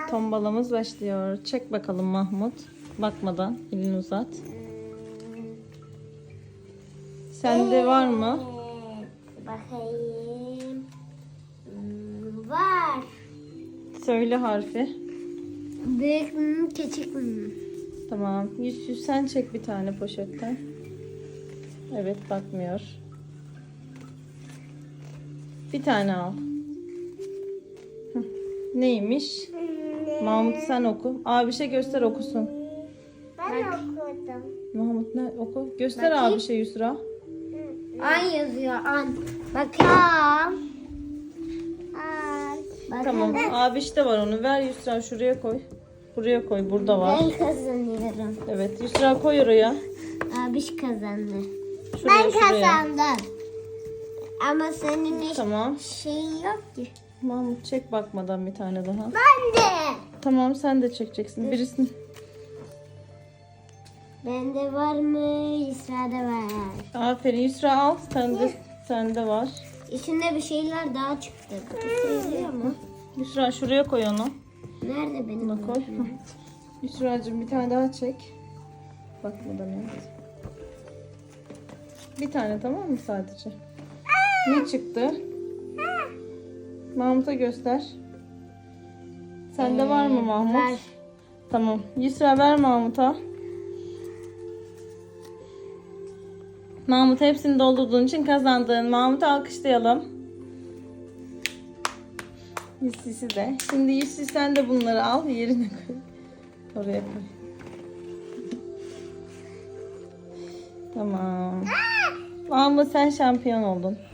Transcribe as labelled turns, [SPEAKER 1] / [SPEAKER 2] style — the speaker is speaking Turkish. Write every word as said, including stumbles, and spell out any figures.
[SPEAKER 1] tombalamız başlıyor. Çek bakalım Mahmut. Bakmadan elini uzat. Sende var mı?
[SPEAKER 2] Evet, bakayım. Hmm, var.
[SPEAKER 1] Söyle harfi.
[SPEAKER 2] Büyük mü, küçük mü?
[SPEAKER 1] Tamam. Yüz yüz sen çek bir tane poşetten. Evet, bakmıyor. Bir tane al. Hı. Neymiş? Mahmut sen oku. Abişe göster okusun.
[SPEAKER 2] Ben okudum.
[SPEAKER 1] Mahmut ne oku? Göster
[SPEAKER 2] Bakayım.
[SPEAKER 1] abişe Yusra.
[SPEAKER 2] An yazıyor, an. Bakayım. An.
[SPEAKER 1] Tamam. Abiş de var onu. Ver Yusra şuraya koy. Buraya koy. Burada var.
[SPEAKER 2] Ben kazanıyorum.
[SPEAKER 1] Evet. Yusra koy oraya.
[SPEAKER 2] Abiş kazandı.
[SPEAKER 1] Şuraya,
[SPEAKER 2] ben
[SPEAKER 1] şuraya.
[SPEAKER 2] kazandım. Ama senin hiç
[SPEAKER 1] Tamam.
[SPEAKER 2] şeyin yok ki.
[SPEAKER 1] Mahmut çek bakmadan bir tane daha.
[SPEAKER 2] Ben de.
[SPEAKER 1] Tamam sen de çekeceksin. Birisini.
[SPEAKER 2] Bende var mı? Yusra'da var.
[SPEAKER 1] Aferin Yusra al. Sende, sende var.
[SPEAKER 2] İçinde bir şeyler daha çıktı. Bu sayılıyor mu?
[SPEAKER 1] Yusra şuraya koy onu.
[SPEAKER 2] Nerede benim?
[SPEAKER 1] Buna koy. Hı. Yusra'cığım bir tane daha çek. Bakmadan evet. Bir tane tamam mı sadece? Ne çıktı? Mahmut'a göster. Sende var mı Mahmut?
[SPEAKER 2] Var.
[SPEAKER 1] Tamam. Yusra ver Mahmut'a. Mahmut hepsini doldurduğun için kazandın. Mahmut'u alkışlayalım. Yusisi de. Şimdi Yusi sen de bunları al yerine koy. Oraya koy. Tamam. Mahmut sen şampiyon oldun.